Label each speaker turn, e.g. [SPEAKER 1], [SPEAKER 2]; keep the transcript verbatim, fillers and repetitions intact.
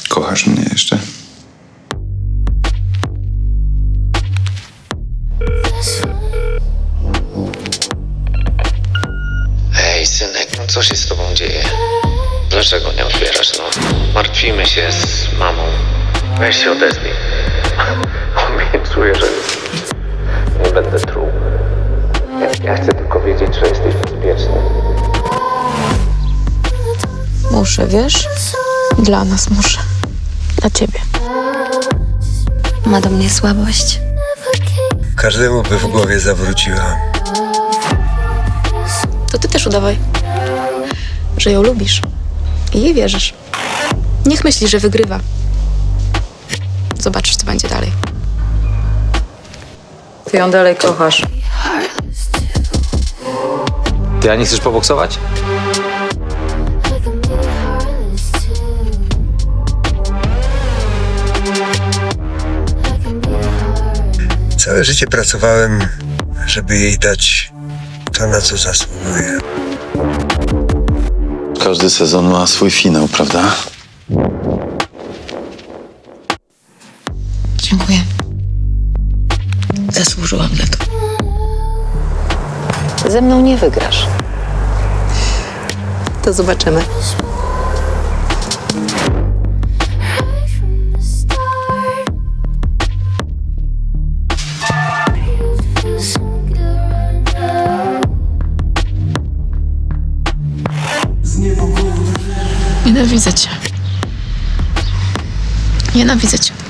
[SPEAKER 1] Kochasz mnie jeszcze?
[SPEAKER 2] Ej, synek, no co się z tobą dzieje? Dlaczego nie odbierasz, no? Martwimy się z mamą. Weź się odezwij. Obiecuję, że nie będę truł. Ja, ja chcę tylko wiedzieć, że jesteś bezpieczny.
[SPEAKER 3] Muszę, wiesz? Dla nas muszę. Dla ciebie. Ma do mnie słabość.
[SPEAKER 4] Każdemu by w głowie zawróciła.
[SPEAKER 3] To ty też udawaj, że ją lubisz i jej wierzysz. Niech myśli, że wygrywa. Zobaczysz, co będzie dalej.
[SPEAKER 5] Ty ją dalej kochasz.
[SPEAKER 6] Ty, a nie chcesz poboksować?
[SPEAKER 4] Całe życie pracowałem, żeby jej dać to, na co zasługuje.
[SPEAKER 1] Każdy sezon ma swój finał, prawda?
[SPEAKER 3] Dziękuję. Zasłużyłam na to.
[SPEAKER 5] Ze mną nie wygrasz.
[SPEAKER 3] To zobaczymy. Nienawidzę cię. Nienawidzę cię.